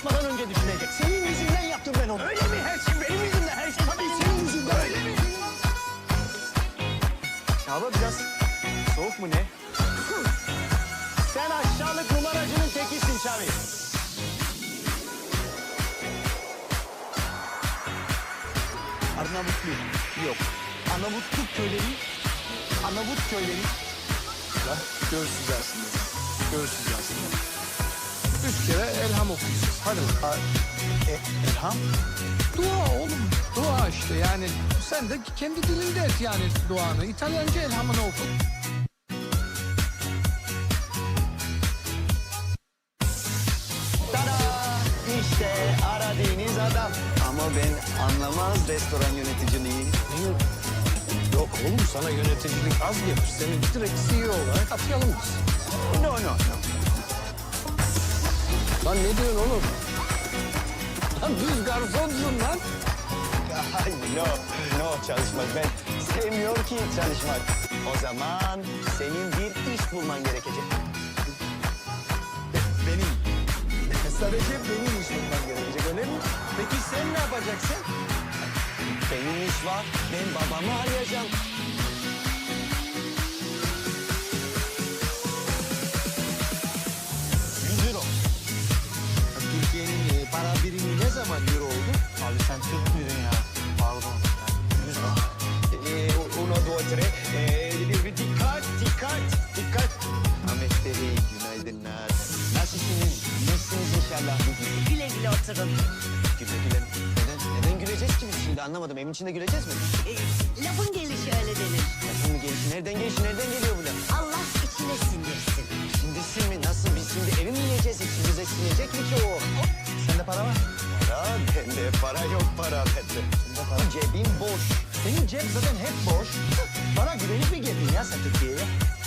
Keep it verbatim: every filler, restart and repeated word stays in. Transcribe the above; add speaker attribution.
Speaker 1: yapmadan önce düşünecek. Senin yüzünden yaptım ben onu. Öyle mi? Her şey benim yüzümden. Her şey tabii senin yüzünden. Öyle mi? Hava biraz soğuk mu ne? Sen aşağılık numaracının tekisin Çavi. Arnavutluk yok. Arnavutluk köyleri, Arnavut köyleri.
Speaker 2: La göğsüz aslında. Göğsüz aslında. Üç kere elham okuyacağız. Hadi bakalım.
Speaker 1: E, Elham?
Speaker 2: Dua oğlum. Dua işte yani. Sen de kendi dilinde et yani duanı. İtalyanca elhamını oku.
Speaker 1: Tada! İşte aradığınız adam. Ama ben anlamaz restoran yöneticiliği.
Speaker 2: Yok oğlum sana yöneticilik az gelir. Seni direkt C E O olarak atayalım biz.
Speaker 1: No, no, no.
Speaker 2: Lan ne diyorsun oğlum? Lan düz garsonsun lan.
Speaker 1: Ay, no, no çalışmak. Ben sevmiyor ki çalışmak. O zaman senin bir iş bulman gerekecek. Be- benim. Sadece benim iş bulman gerekecek, öyle mi? Peki sen ne yapacaksın? Benim iş var. Ben babamı arayacağım. Yüz euro. Türkiye'nin e, para birimi ne zaman euro oldu? Abi sen Türk müydün ya? Pardon. Yüz euro. E, uno, due, tre. E, bir, bir dikkat, dikkat, dikkat. Ahmet Bey, günaydınlar. Nasılsınız? İyisiniz inşallah.
Speaker 3: Güle güle oturun.
Speaker 1: Güle güle. Neden, neden güleceğiz ki biz şimdi anlamadım. Evin içinde güleceğiz mi?
Speaker 3: Ee, lafın gelişi öyle denir.
Speaker 1: Lafın mı gelişi? Nereden gelişi? Nereden geliyor bu laf?
Speaker 3: Allah içine sindirsin.
Speaker 1: Sindirsin mi? Nasıl? Biz şimdi evi mi yiyeceğiz? İçimize sinecek mi ki o? Sende para var? Para? Bende para yok para bende. Sende para? Cebim boş. Senin cep zaten hep boş. Bana güvenip mi geldin ya sen Türkiye'ye?